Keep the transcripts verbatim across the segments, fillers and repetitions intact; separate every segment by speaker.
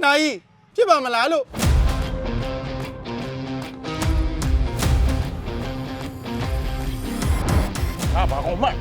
Speaker 1: နိုင်ဖြစ်ပါမလားလို့ဟာဘာကောင်မ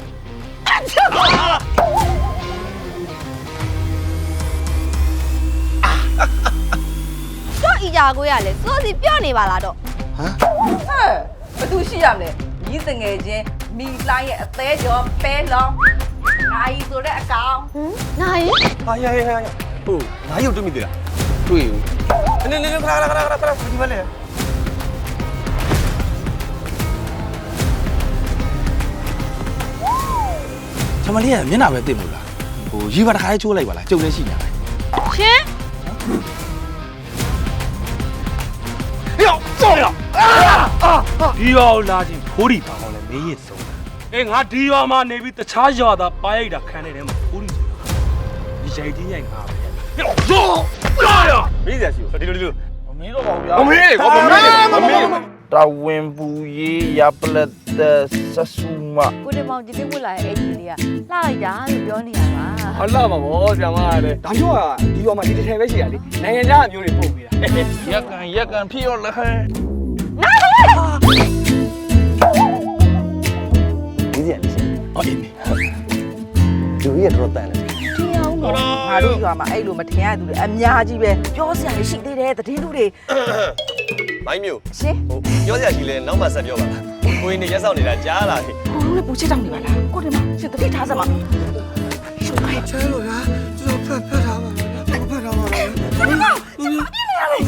Speaker 2: တော့အီကြာကိုရလေစိုးစီပြော့နေပါလားတော့
Speaker 3: ဟမ်ဟဲ့ဘသူရှိရမလဲညီးစငယ်ချင်းမိလိုင်းရဲ့အသေးကျော်ပဲလောင်းနိုင်ဆိုတဲ့အကောင်
Speaker 2: ဟမ်နိုင်
Speaker 4: ဟာရရရရဟုတ်နိုင်ရုပ်တွေ့မိသေးလားတွေ့ဘူးနည်းနည်းခဏခဏခဏခဏခဏဒီမလဲချမလေးကမျက်နှာပဲတိတ်မို့လားဟိုရီပါတစ်ခါလေးချိုးလိုက်ပါလားကြုံနေရှိညာ
Speaker 2: ရှင်
Speaker 4: ယောကြောက်ရအာဒီရောလာချင်းခိုးဒီပါအောင်လဲမေးရဆုံးအေးငါဒီရွာမှာနေပြီးတခြားရွာသားပါရိုက်တာခံနေတယ်မှာခိုးဒီဆိုတာဒီရိုက်တင်းရိုက်ငါပဲယောကြောက်ရမေးစရာရှိဘူးဒီလိုဒီလိုမမေးတော့ပါဘူးဗျာမမေးကောမမေးမမေးတဝင်ပူရေးရပလက်သက်ဆဆူမ
Speaker 2: ကိုတင်မောင်ဒီနေ့ဝတ်လာတဲ့အဲ့ဒီလေးကလှလိုက်တာလို့ပြောနေတာပါ
Speaker 4: ဟာလှပါဘောဆရာမရတယ်ဒါမျိုးကဒီရွာမှာဒီတစ်ထည်ပဲရှိရလေနိုင်ငံခြားအမျိုးတွေပို့ပေးတာရက်ကန်ရက်ကန်ဖြစ်ရောလဲဒီရလေးအော်ဒီလူရတော့တန်တယ်
Speaker 3: ဒီအောင်တော့ငါတို့ရွာမှာအဲ့လိုမထင်ရသူတွေအများကြီးပဲပြောစရာရှိသေးတယ်သတင်းလူတွေ
Speaker 5: မိုင်းမျိုး
Speaker 3: ရှင်
Speaker 5: ဟိုပြောစရာရှိလဲနောက်မှဆက်ပြောပါလားကိုင်းနေရက်ဆောင်နေတာကြားလာပြီ
Speaker 3: ကိုလုံးလည်းပူချစ်တောင်းနေပါလားကိုတင်မရှင်တတိထားစမ်းပါရှုပ်ခိုင်း
Speaker 4: ချဲလို့ဗျာကျွန်တော်ဖက်ဖက်ထားပါလားဖက်ထားပါလား
Speaker 3: ဒီမှာဒီမှာပြနေရလေ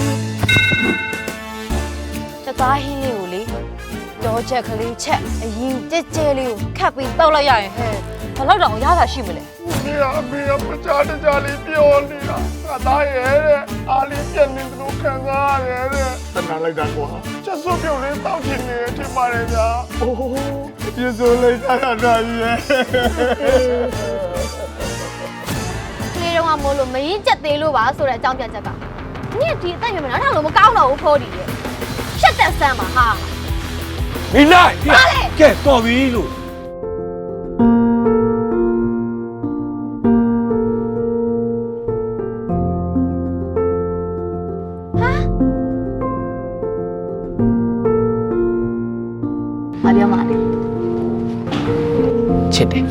Speaker 2: တသားဟင်းလေးကိုလေကြောချက်ကလေးချက်အရင်ကြဲကြဲလေးကိုခတ်ပြီးတောက်လိုက်ရရင်ဟဲ့ဘယ်တော့တောင်ရတာရှိမလဲ
Speaker 1: ဒီအမေကပချာတကြလေးပြောနေတာငါသားရဲ့တဲ့အားလေးပြက်နေသလိုခံစားရတယ်တဲ့တနာလိုက်တာကွာချက်စုပ်ပြုတ်လေးတောက်ချင်နေတယ်ထင်ပါတယ်ဗျာအိုးပြေစိုးလိုက်တာတာကြီးရဲ့
Speaker 2: ကလေးတော့မို့လို့မရင်ချက်သေးလို့ပါဆိုတဲ့အကြောင်းပြချက်ကနင့်ဒီအသက်ရွယ်မနောက်ထပ်လို့မကောင်းတော့ဘူးဖိုးဒီရဲ့ရှက်တက်ဆန်းပါဟာ
Speaker 4: မိလိုက်ကဲတော်ပြီလို့
Speaker 2: ဟာပြောပါလေ
Speaker 4: ချစ်တယ်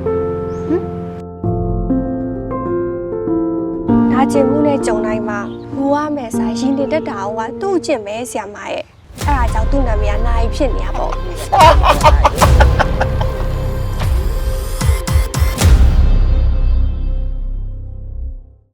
Speaker 6: ဒါကျင်မှုနဲ့ကြုံတိုင်းမှာဘူရမယ်ဆိုင်ရင်တင်တက်တာကသူ့ကျင့်မဲဆရာမရဲ့အဲ့ဒါကြောင့်သူ့နာမည်ကနိုင်ဖြစ်နေရပေါ့